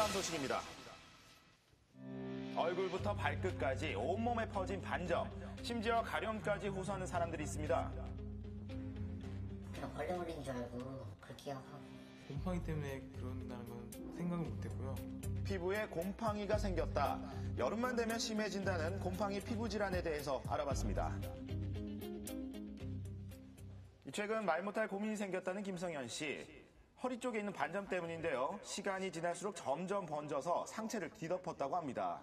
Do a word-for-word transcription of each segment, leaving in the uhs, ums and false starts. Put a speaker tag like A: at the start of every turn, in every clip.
A: 다음 소식입니다. 얼굴부터 발끝까지 온몸에 퍼진 반점, 심지어 가려움까지 호소하는 사람들이 있습니다.
B: 그냥 벌레 물린 줄 알고 그렇게 하고.
C: 곰팡이 때문에 그런다는 건 생각을 못했고요.
A: 피부에 곰팡이가 생겼다. 여름만 되면 심해진다는 곰팡이 피부 질환에 대해서 알아봤습니다. 최근 말 못할 고민이 생겼다는 김성현 씨. 허리 쪽에 있는 반점 때문인데요. 시간이 지날수록 점점 번져서 상체를 뒤덮었다고 합니다.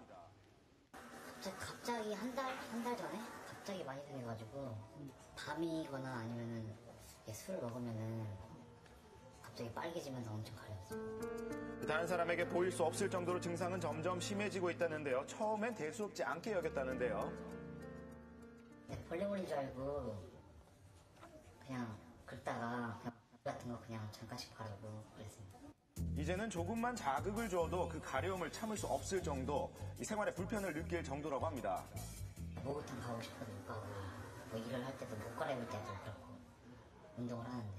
B: 갑자기 한 달, 한 달 전에 갑자기 많이 생겨가지고 밤이거나 아니면은 술 먹으면은 갑자기 빨개지면서 엄청 가려웠어요.
A: 다른 사람에게 보일 수 없을 정도로 증상은 점점 심해지고 있다는데요. 처음엔 대수롭지 않게 여겼다는데요.
B: 네, 벌레 물린 줄 알고 그냥 긁다가 그냥 같은 거 그냥 잠깐씩 바르고 그랬습니다.
A: 이제는 조금만 자극을 줘도 그 가려움을 참을 수 없을 정도, 이 생활에 불편을 느낄 정도라고 합니다.
B: 목욕탕 가고 싶어도 못 가고, 뭐 일을 할 때도 못 갈아입을 때도 그렇고, 운동을 하는데.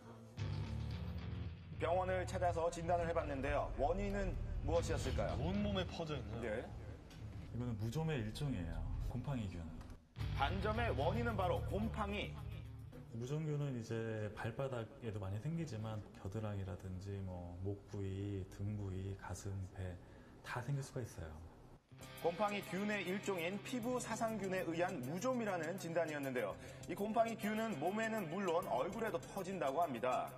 A: 병원을 찾아서 진단을 해봤는데요. 원인은 무엇이었을까요?
D: 온몸에 퍼져 있는.
A: 네.
E: 이거는 무좀의 일종이에요. 곰팡이균.
A: 반점의 원인은 바로 곰팡이.
E: 무좀균은 이제 발바닥에도 많이 생기지만 겨드랑이라든지 뭐 목 부위, 등 부위, 가슴, 배 다 생길 수가 있어요.
A: 곰팡이균의 일종인 피부 사상균에 의한 무좀이라는 진단이었는데요. 이 곰팡이균은 몸에는 물론 얼굴에도 퍼진다고 합니다.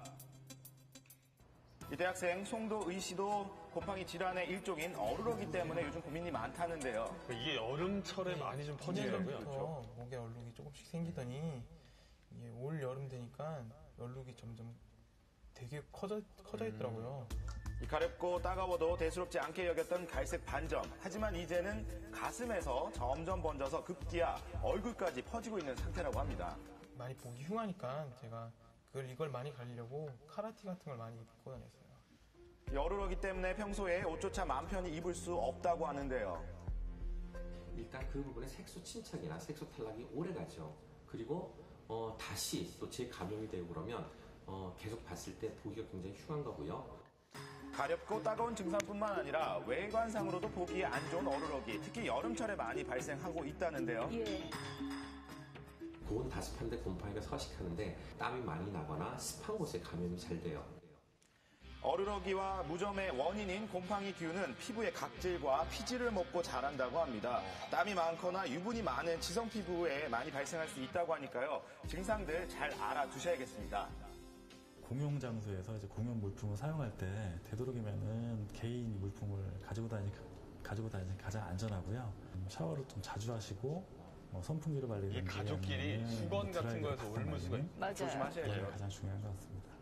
A: 이 대학생 송도의 씨도 곰팡이 질환의 일종인 어루러기 때문에 요즘 고민이 많다는데요.
D: 이게 여름철에 많이 좀 퍼지더라고요.
C: 그렇죠. 목에 얼룩이 조금씩 생기더니 이게 올 여름 되니까 얼룩이 점점 되게 커져, 커져 있더라고요.
A: 이 가렵고 따가워도 대수롭지 않게 여겼던 갈색 반점. 하지만 이제는 가슴에서 점점 번져서 급기야 얼굴까지 퍼지고 있는 상태라고 합니다.
C: 많이 보기 흉하니까 제가 그걸 이걸 많이 가리려고 카라티 같은 걸 많이 입고 다녔어요.
A: 여루러기 때문에 평소에 옷조차 마음 편히 입을 수 없다고 하는데요.
F: 일단 그 부분에 색소 침착이나 색소 탈락이 오래 가죠. 그리고 어, 다시 또 재감염이 되고 그러면 어, 계속 봤을 때 보기가 굉장히 흉한 거고요.
A: 가렵고 따가운 증상뿐만 아니라 외관상으로도 보기에 안 좋은 어루러기, 특히 여름철에 많이 발생하고 있다는데요.
G: 예.
F: 고온 다습한데 곰팡이가 서식하는데 땀이 많이 나거나 습한 곳에 감염이 잘 돼요.
A: 어루러기와 무좀의 원인인 곰팡이균은 피부의 각질과 피지를 먹고 자란다고 합니다. 땀이 많거나 유분이 많은 지성 피부에 많이 발생할 수 있다고 하니까요. 증상들 잘 알아두셔야겠습니다.
E: 공용 장소에서 이제 공용 물품을 사용할 때 되도록이면은 개인 물품을 가지고 다니 가지고 다니는 게 가장 안전하고요. 샤워를 좀 자주 하시고 뭐 선풍기를 발리는
D: 이 가족끼리 수건 같은 거에서 옮을 수가 있-
G: 맞아요.
A: 조심하셔야 돼요.
E: 가장 중요한 것 같습니다.